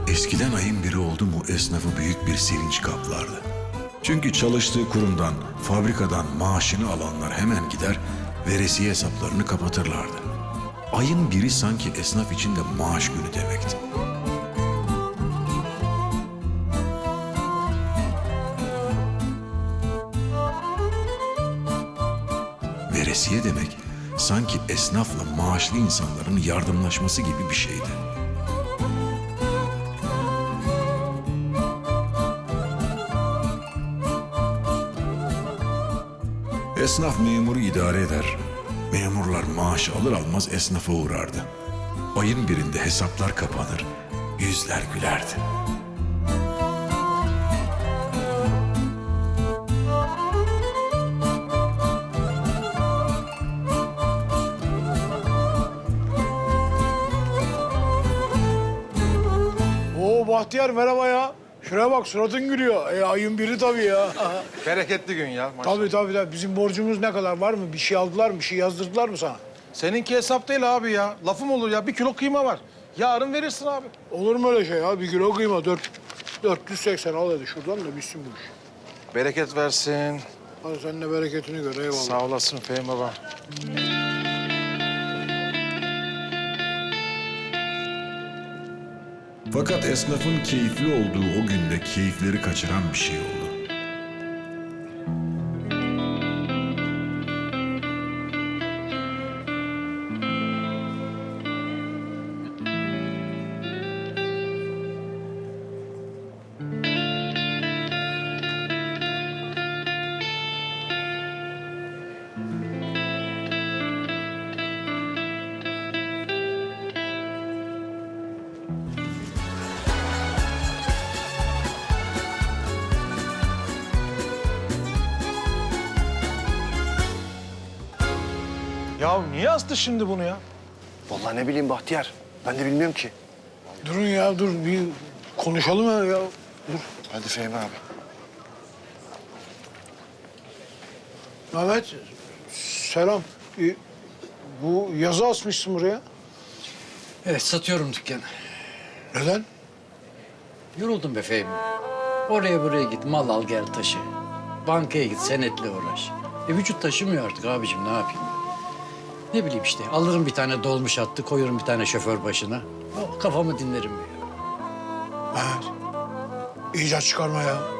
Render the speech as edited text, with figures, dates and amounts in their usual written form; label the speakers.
Speaker 1: Eskiden ayın biri oldu mu esnafı büyük bir sevinç kaplardı. Çünkü çalıştığı kurumdan, fabrikadan maaşını alanlar hemen gider, veresiye hesaplarını kapatırlardı. Ayın biri sanki esnaf için de maaş günü demekti. Veresiye demek sanki esnafla maaşlı insanların yardımlaşması gibi bir şeydi. Esnaf memuru idare eder, memurlar maaş alır almaz esnafa uğrardı. Ayın birinde hesaplar kapanır, yüzler gülerdi.
Speaker 2: Oo Bahtiyar merhaba ya. Şuraya bak suratın gülüyor. Ayın biri tabii ya.
Speaker 3: Bereketli gün ya maşallah.
Speaker 2: Tabii. Bizim borcumuz ne kadar var mı? Bir şey aldılar mı? Bir şey yazdırdılar mı sana?
Speaker 3: Seninki hesap değil abi ya. Lafım olur ya. 1 kilo kıyma var. Yarın verirsin abi.
Speaker 2: Olur mu öyle şey ya? 1 kilo kıyma 480 al hadi şuradan da bitsin bu iş.
Speaker 3: Bereket versin.
Speaker 2: Hadi sen de bereketini gör eyvallah.
Speaker 3: Sağ olasın Fehmi baba.
Speaker 1: Fakat esnafın keyifli olduğu o günde keyifleri kaçıran bir şey oldu.
Speaker 3: Ya niye astı şimdi bunu ya?
Speaker 4: Vallahi ne bileyim Bahtiyar. Ben de bilmiyorum ki.
Speaker 2: Durun ya dur bir konuşalım ya. Dur.
Speaker 4: Hadi Fehmi abi.
Speaker 2: Mehmet selam. Bu yazı asmışsın buraya.
Speaker 5: Evet, satıyorum dükkanı.
Speaker 2: Neden?
Speaker 5: Yoruldum be Fehmi. Oraya buraya git, mal al gel taşı. Bankaya git, senetle uğraş. Vücut taşımıyor artık abicim, ne yapayım? Ne bileyim işte, alırım bir tane dolmuş attı, koyarım bir tane şoför başına. Kafamı dinlerim.
Speaker 2: Mehmet icat çıkarma ya.